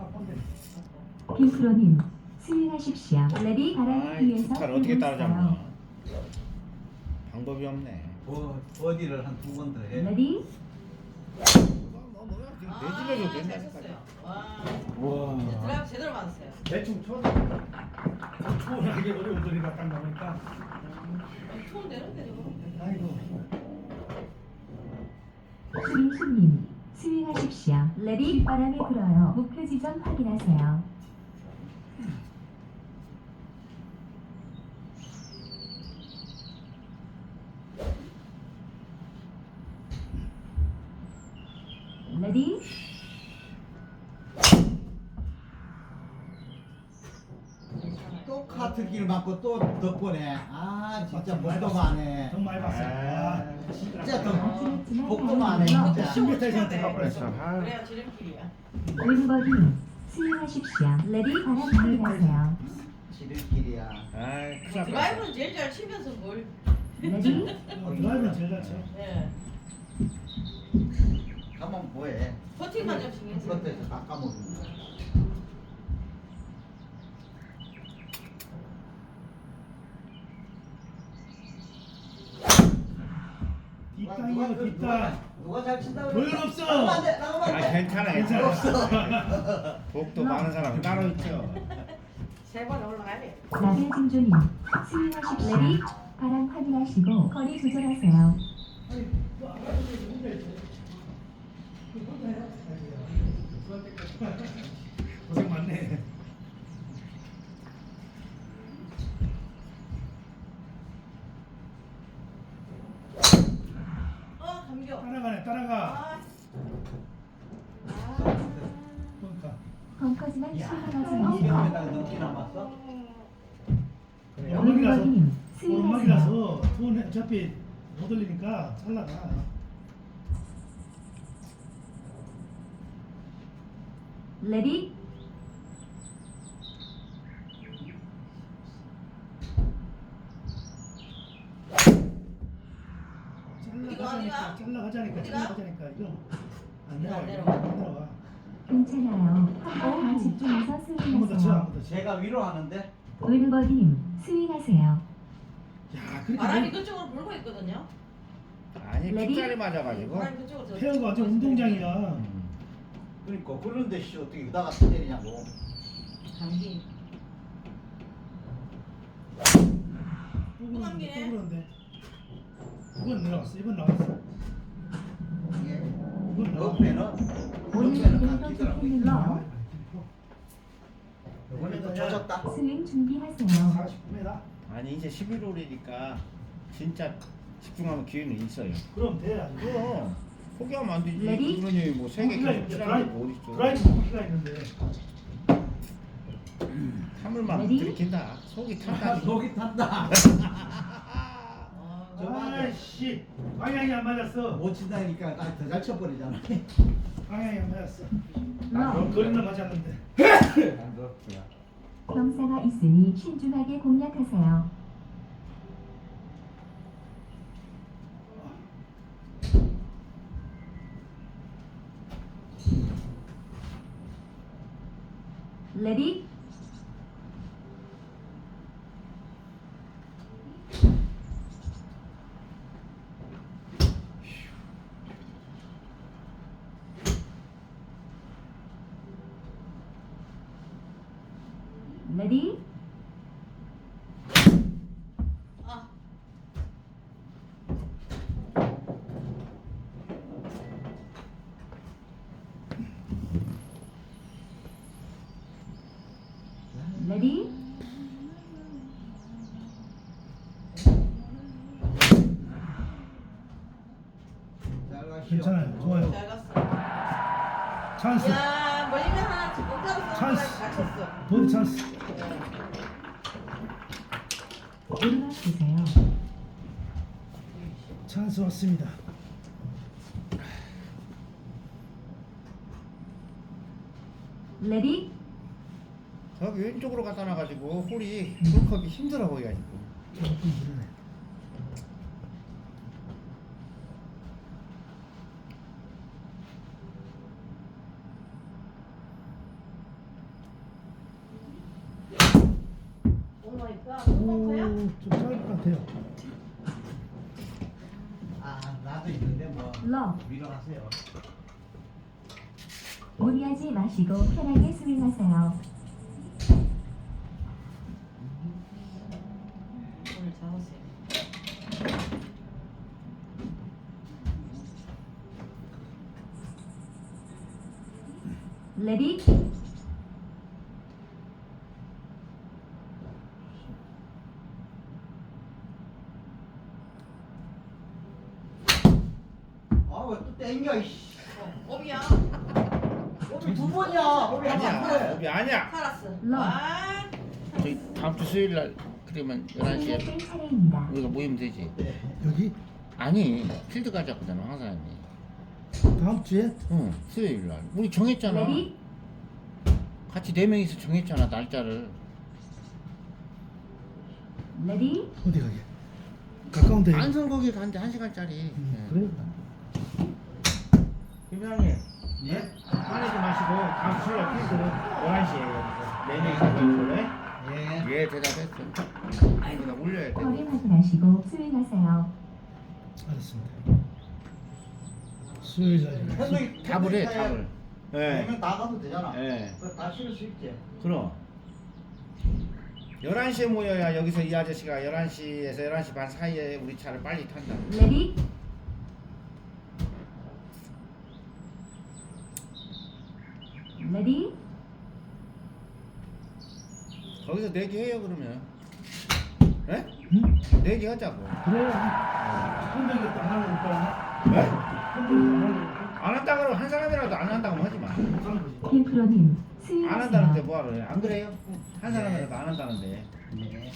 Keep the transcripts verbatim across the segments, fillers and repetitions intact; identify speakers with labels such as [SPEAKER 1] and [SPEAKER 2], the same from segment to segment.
[SPEAKER 1] 빈프로님 스윙하십시오. 레디 바람을
[SPEAKER 2] 아이,
[SPEAKER 1] 위해서
[SPEAKER 2] 두타를 어떻게
[SPEAKER 1] 들어오세요.
[SPEAKER 2] 따라잡나? 방법이 없네.
[SPEAKER 3] 뭐 어디를 한 두 번 더 해.
[SPEAKER 1] 레디
[SPEAKER 2] 뭐 뭐야 지금 내질러도
[SPEAKER 4] 아, 잘
[SPEAKER 2] 된다니까.
[SPEAKER 4] 쳤어요. 와.
[SPEAKER 2] 와.
[SPEAKER 4] 드라이브 제대로 맞았어요.
[SPEAKER 5] 대충 쳐. 초원하게 어려운 소리가 딱 나오니까.
[SPEAKER 4] 톤 내는데 저거.
[SPEAKER 5] 아이고.
[SPEAKER 1] 수빈수님 스윙하십시오. 레디 바람이 불어요. 목표 지점 확인하세요. 레디
[SPEAKER 3] 또 카트길 맞고 또 덕분에 아 진짜
[SPEAKER 5] 많이
[SPEAKER 3] 복도
[SPEAKER 5] 봤어.
[SPEAKER 3] 많네.
[SPEAKER 5] 정 많이 봤어요.
[SPEAKER 3] 아,
[SPEAKER 5] 아,
[SPEAKER 3] 진짜 더
[SPEAKER 1] 아슬했지만
[SPEAKER 3] 복도 많네 진짜.
[SPEAKER 5] 십 미터에서 들어가
[SPEAKER 2] 그래서
[SPEAKER 5] 버렸어.
[SPEAKER 2] 아,
[SPEAKER 4] 그래야 지름길이야.
[SPEAKER 1] 왼버디 스윙하십시오. 레디 바람 확인하세요.
[SPEAKER 3] 지름길이야.
[SPEAKER 2] 아이 큰일 났다.
[SPEAKER 4] 드라이브는 제일 잘 치면서 뭘.
[SPEAKER 1] 레디
[SPEAKER 5] 어, 드라이브는 제일 잘 쳐.
[SPEAKER 4] 예.
[SPEAKER 3] 가면 뭐해?
[SPEAKER 4] 퍼팅만 좀 신경 쓰고.
[SPEAKER 3] 그것에서 깎아먹는 거야. 누가
[SPEAKER 5] 뒷땅이요
[SPEAKER 3] 그-
[SPEAKER 5] 뒷땅.
[SPEAKER 3] 누가- 누가 잘 친다고
[SPEAKER 5] 도연
[SPEAKER 3] 그랬어?
[SPEAKER 5] 없어.
[SPEAKER 3] 나가면 안 돼, 나가면 안
[SPEAKER 2] 아
[SPEAKER 3] 돼.
[SPEAKER 2] 괜찮아 괜찮아. 복도 많은 사람이 따로 있죠.
[SPEAKER 4] 세 번 올라가야 돼.
[SPEAKER 1] 나벨진조님 스윙하십시오. 레디 바람 확인하시고 거리 조절하세요.
[SPEAKER 5] 고생 많네.
[SPEAKER 4] 어, 감겨.
[SPEAKER 5] 따라가네 따라가.
[SPEAKER 4] 아. 아.
[SPEAKER 5] 그러니까.
[SPEAKER 1] 벙커지만
[SPEAKER 3] 야,
[SPEAKER 1] 출발하지
[SPEAKER 3] 이
[SPEAKER 1] 마세요.
[SPEAKER 3] 형에다가 넘기 남았어?
[SPEAKER 5] 오르막이라서
[SPEAKER 1] 왼버디님 스윙하세요.
[SPEAKER 5] 오르막이라서 투는 어차피 못 올리니까 잘라가.
[SPEAKER 1] 레디
[SPEAKER 5] 잘라가자니까 잘라가자니까
[SPEAKER 4] 어디가?
[SPEAKER 5] 잘라가자니까 이거 안
[SPEAKER 4] 이거 안
[SPEAKER 5] 내려와
[SPEAKER 4] 내려와.
[SPEAKER 5] 안 내려와.
[SPEAKER 1] 괜찮아요. 한번 집중해서
[SPEAKER 5] 한 번 더 쳐,
[SPEAKER 1] 스윙하세요.
[SPEAKER 5] 한 번 더 쳐.
[SPEAKER 3] 제가 위로 하는데
[SPEAKER 1] 왼버디님 스윙하세요.
[SPEAKER 5] 야, 그렇게
[SPEAKER 4] 바람이
[SPEAKER 5] 내-
[SPEAKER 4] 그쪽으로 불고 있거든요.
[SPEAKER 2] 아니
[SPEAKER 1] 레디?
[SPEAKER 2] 핏자리 맞아가지고.
[SPEAKER 4] 바람이 그쪽으로 저-
[SPEAKER 5] 페어가 완전 운동장이야.
[SPEAKER 2] 음.
[SPEAKER 3] 그러니까 그런데 씨 어떻게 그다가 때리냐고.
[SPEAKER 4] 감기.
[SPEAKER 5] 또
[SPEAKER 4] 남기네.
[SPEAKER 5] 그러는데, 또 그러는데. 이번 내려왔어. 이번 나왔어.
[SPEAKER 3] 이게
[SPEAKER 5] 이번 나왔어.
[SPEAKER 3] 옆에는
[SPEAKER 1] 오늘
[SPEAKER 3] 옆에는
[SPEAKER 1] 그래도
[SPEAKER 3] 감기더라고.
[SPEAKER 1] 좋겠네요.
[SPEAKER 3] 이번에도 젖었다.
[SPEAKER 1] 스윙 준비하세요.
[SPEAKER 5] 사십구 미터.
[SPEAKER 2] 아니 이제 십일 홀이니까 진짜 집중하면 기회는 있어요.
[SPEAKER 5] 그럼 돼. 안 돼.
[SPEAKER 2] 그럼 포기하면 안 되지.
[SPEAKER 1] 레디?
[SPEAKER 2] 그러니 뭐 세개
[SPEAKER 5] 포기가
[SPEAKER 2] 계속
[SPEAKER 5] 있는데,
[SPEAKER 2] 치라는 게
[SPEAKER 5] 드라이브,
[SPEAKER 2] 어딨어.
[SPEAKER 5] 드라이브 포기가 있는데.
[SPEAKER 2] 하물만
[SPEAKER 1] 레디?
[SPEAKER 2] 들이킨다. 속이
[SPEAKER 3] 아,
[SPEAKER 2] 탄다.
[SPEAKER 3] 속이 탄다.
[SPEAKER 4] 아,
[SPEAKER 3] 저 맞아.
[SPEAKER 5] 아이씨, 방향이 안 맞았어.
[SPEAKER 3] 못 친다니까 더 잘 쳐버리잖아.
[SPEAKER 5] 방향이 안 맞았어.
[SPEAKER 1] 러
[SPEAKER 5] 그럼 거리는 맞았는데.
[SPEAKER 3] 안 그렇구나.
[SPEAKER 1] 경사가 있으니 신중하게 공략하세요. 레디 레디
[SPEAKER 4] 아.
[SPEAKER 1] 레디
[SPEAKER 3] 잘 가시오.
[SPEAKER 5] 괜찮아요. 좋아요.
[SPEAKER 4] 잘 갔어.
[SPEAKER 5] 찬스.
[SPEAKER 4] 야, 멀리면 하나 지금 따로 쓰는
[SPEAKER 5] 찬스.
[SPEAKER 4] 거랑 같았어.
[SPEAKER 5] 버디 찬스.
[SPEAKER 1] 오르막 주세요.
[SPEAKER 5] 찬스 왔습니다.
[SPEAKER 1] 레디
[SPEAKER 2] 저기 왼쪽으로 갖다 놔가지고 홀이 홀컵이 힘들어 보여가지고.
[SPEAKER 5] 조금 무르네.
[SPEAKER 4] 야, 똥커야?
[SPEAKER 5] 좀 짧을 것 같아요.
[SPEAKER 3] 아 나도 있는데 뭐
[SPEAKER 1] 러.
[SPEAKER 3] 밀어가세요.
[SPEAKER 1] 무리하지 마시고 편하게 스윙하세요.
[SPEAKER 4] 오늘 잡았어요.
[SPEAKER 1] 레디.
[SPEAKER 3] 아왜 또 땡겨 이씨.
[SPEAKER 4] 어, 업이야.
[SPEAKER 3] 오비 두 번이야. 오비 한번
[SPEAKER 2] 아니야 업이 아니야.
[SPEAKER 4] 살았어.
[SPEAKER 1] 러.
[SPEAKER 4] 아,
[SPEAKER 2] 저희 다음 주 수요일 날 그러면 열한 시에
[SPEAKER 1] 땡 차례입니다.
[SPEAKER 2] 우리가 모이면 되지.
[SPEAKER 5] 여기
[SPEAKER 2] 아니 필드 가자거든 황사장님.
[SPEAKER 5] 다음 주에
[SPEAKER 2] 응 수요일 날 우리 정했잖아.
[SPEAKER 1] 레디.
[SPEAKER 2] 같이 네 명이서 정했잖아 날짜를.
[SPEAKER 1] 레디.
[SPEAKER 5] 어디 가게? 가까운데.
[SPEAKER 2] 안성 거기 가는데 한 시간짜리.
[SPEAKER 5] 음, 그래요?
[SPEAKER 2] 김장님
[SPEAKER 3] 예?
[SPEAKER 2] 화내지 마시고 다음 수요일 날 필드 열한 시에 여기서 네 명이서 모이래.
[SPEAKER 3] 예.
[SPEAKER 2] 예 대답했어. 아니 나 올려야 돼.
[SPEAKER 1] 허리 확인하시고 스윙하세요.
[SPEAKER 5] 알았습니다. 수요일 날.
[SPEAKER 3] 현동이
[SPEAKER 2] 답을 해 답을. 예.
[SPEAKER 3] 네명 다 가도 되잖아.
[SPEAKER 2] 예.
[SPEAKER 3] 그거 다 실을 수 있지.
[SPEAKER 2] 그럼 열한 시에 모여야 여기서 이 아저씨가 열한 시에서 열한 시 반 사이에 우리 차를 빨리 탄다.
[SPEAKER 1] 레디. 레디.
[SPEAKER 2] 거기서 내기해요 그러면. 예?
[SPEAKER 5] 응?
[SPEAKER 2] 내기하자고.
[SPEAKER 5] 그래. 한명이 안 하니까.
[SPEAKER 2] 예?
[SPEAKER 5] 한명이
[SPEAKER 2] 안 한다 그러면 한 사람이라도 안 한다고 하지 마.
[SPEAKER 5] 안 하니까.
[SPEAKER 1] 김프로님
[SPEAKER 2] 안 한다는데
[SPEAKER 1] 스윙하세요.
[SPEAKER 2] 뭐하러 해? 안 그래요? 한 사람이라도 안 한다는데.
[SPEAKER 3] 네.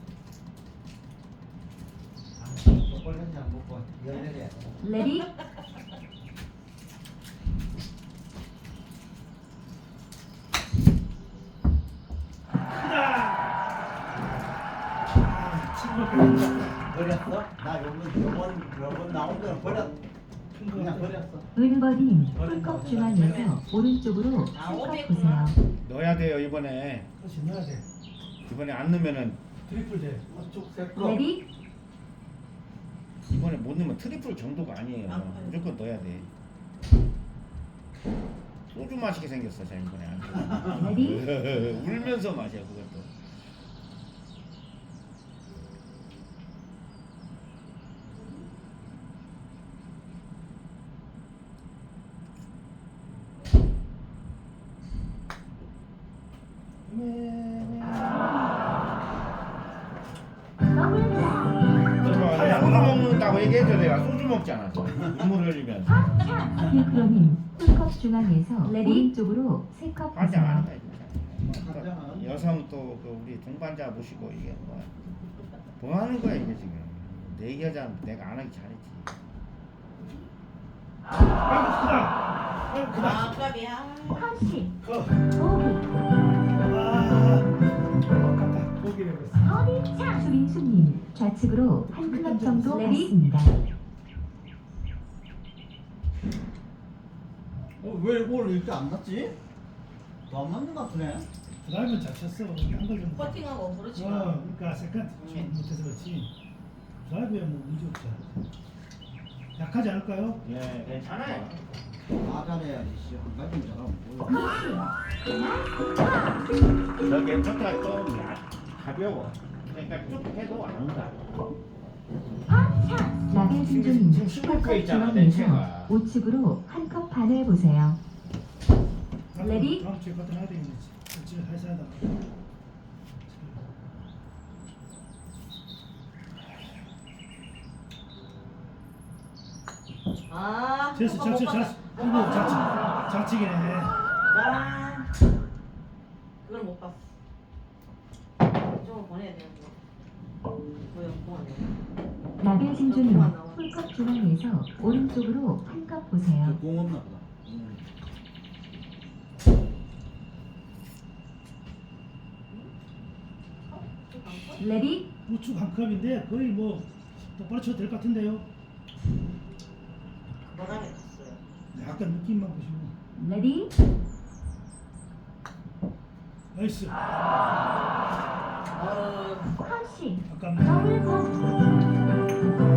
[SPEAKER 3] 아, 초콜릿 잘 먹고 열내려.
[SPEAKER 1] 레디.
[SPEAKER 3] 버렸어? 나 요번 요번 요번 나온 거는 버렸. 그냥 버렸어.
[SPEAKER 1] 은버님 풀컵 중앙에서 오른쪽으로
[SPEAKER 4] 아,
[SPEAKER 1] 풀컵
[SPEAKER 4] 오비구나.
[SPEAKER 1] 보세요.
[SPEAKER 2] 넣어야 돼요 이번에.
[SPEAKER 5] 그렇지 넣어야 돼.
[SPEAKER 2] 이번에 안 넣으면은
[SPEAKER 5] 트리플 돼.
[SPEAKER 3] 쭉 셋거.
[SPEAKER 1] 레디.
[SPEAKER 2] 이번에 못 넣으면 트리플 정도가 아니에요.
[SPEAKER 4] 아, 아.
[SPEAKER 2] 무조건 넣어야 돼. 소주 마시게 생겼어 자 이번에 안
[SPEAKER 1] 레디.
[SPEAKER 2] 돼. 울면서 마셔 그것도.
[SPEAKER 1] 더블 플레이.
[SPEAKER 2] 소주 먹는다고 얘기해줘 내가 소주 먹잖아. 눈물 흘리면.
[SPEAKER 1] 김프로님 풀컵 중앙에서 레디. 오른쪽으로 세 컵
[SPEAKER 2] 반장
[SPEAKER 1] 보세요.
[SPEAKER 2] 아니다 이거. 여성 또 그 우리 동반자 모시고 이게 뭐야? 뭐 하는 거야 이게 지금? 내 여자는 내가 안 하기 잘했지.
[SPEAKER 5] 아이고 크다. 아이고 크다.
[SPEAKER 4] 아, 깝이야.
[SPEAKER 1] 컷시.
[SPEAKER 5] 커.
[SPEAKER 1] 보기.
[SPEAKER 5] 아. 아깝다. 고기를 했어.
[SPEAKER 1] 허리 차. 수민수님 좌측으로 한 클럽 정도 갔습니다.
[SPEAKER 3] 어, 왜 오늘 이렇게 안 났지? 더 안 맞는 것 같으네.
[SPEAKER 5] 드라이브는 잘 쳤어. 한걸 좀.
[SPEAKER 4] 퍼팅하고 그렇지.
[SPEAKER 5] 어, 그러니까 세컨드 좀 못해서 그렇지. 드라이브야 뭐 문제 없지. 약하지 않을까요?
[SPEAKER 2] 예, 괜찮아요.
[SPEAKER 3] 다 잘해야지. 씨. 한 가지 잘하면 뭐야.
[SPEAKER 2] 저게 포트가 좀 가벼워. 그러니까 쭉 해도 안 온다.
[SPEAKER 1] 라벨
[SPEAKER 2] 지금
[SPEAKER 1] 신조님
[SPEAKER 2] 싱글프에
[SPEAKER 1] 풀컵
[SPEAKER 2] 있잖아, 내
[SPEAKER 1] 중앙에서
[SPEAKER 2] 채가.
[SPEAKER 1] 우측으로 한 컵 반을 보세요. 레디?
[SPEAKER 5] 다음 주에 같은 해야 되겠지. 지금 해서 하다.
[SPEAKER 4] 아,
[SPEAKER 5] 됐어,
[SPEAKER 4] 한번
[SPEAKER 5] 좌측,
[SPEAKER 4] 못
[SPEAKER 5] 좌측,
[SPEAKER 4] 봤다.
[SPEAKER 5] 이거 좌측, 좌측이네.
[SPEAKER 4] 야, 그걸 못 봤어. 좀 보내야 되는 거. 보여, 보내.
[SPEAKER 1] 라벨 신조님 풀컵 중앙에서 오른쪽으로 한 컵 보세요.
[SPEAKER 3] 공 없나 보다. 음.
[SPEAKER 1] 레디?
[SPEAKER 5] 우측 한 컵인데 거의 뭐 똑바로 쳐도 될 것 같은데요.
[SPEAKER 4] 바닥에 갔어요.
[SPEAKER 5] 약간 느낌만 보시고.
[SPEAKER 1] 레디?
[SPEAKER 5] 나이스.
[SPEAKER 4] 아유.
[SPEAKER 1] 컷싱
[SPEAKER 5] 아깝네.
[SPEAKER 1] 더블 컷